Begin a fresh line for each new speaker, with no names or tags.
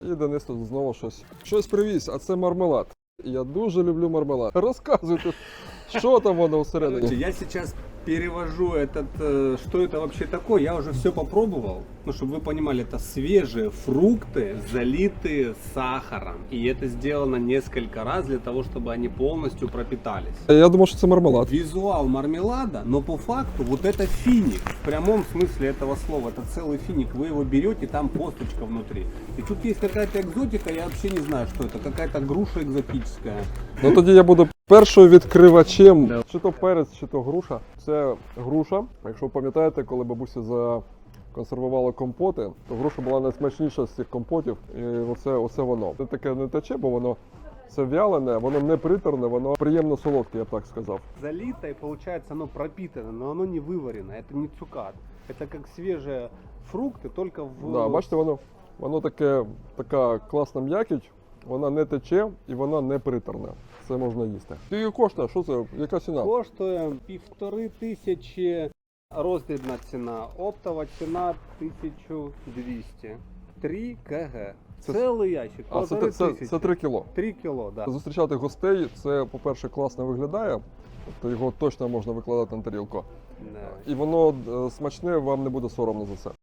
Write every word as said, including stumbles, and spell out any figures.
І Денис тут знову щось. Щось привіз, а це мармелад. Я дуже люблю мармелад. Розказуйте, що там воно всередині.
Я сейчас перевожу этот, э, что это вообще такое. Я уже все попробовал. Ну, чтобы вы понимали, это свежие фрукты, залитые сахаром. И это сделано несколько раз для того, чтобы они полностью пропитались.
Я думав, що це мармелад.
Визуал мармелада, но по факту вот это финик. В прямом смысле этого слова. Это целый финик. Вы его берете, там косточка внутри. И тут есть какая-то экзотика, я вообще не знаю, что это. Какая-то груша экзотическая.
Ну тоді я буду першою відкривачем.
Да.
Чи то перець, чи то груша. Це груша. Якщо ви пам'ятаєте, коли бабуся законсервувала компоти, то груша була найсмачніша з цих компотів. І оце, оце воно. Це таке не тече, бо воно це вялене, воно не приторне, воно приємно солодке, я б так сказав.
Залито и получается оно пропитано, но оно не выварено. Это не цукат. Это как свежие фрукты, только в...
Да, бачите, воно, воно таке, така класна м'якіть, вона не тече і вона не приторна. Це можна їсти. Скільки коштує? Що це? Яка ціна?
Коштує півтори тисячі роздрібна ціна, оптова ціна тисяча двісті. три кг.
Це-
Цілий ящик,
А, це,
полтори
це,
тисячі.
це три кіло.
три кіло, да.
Зустрічати гостей, це, по-перше, класно виглядає, тобто його точно можна викладати на тарілку.
Да.
І воно е, смачне, вам не буде соромно за це.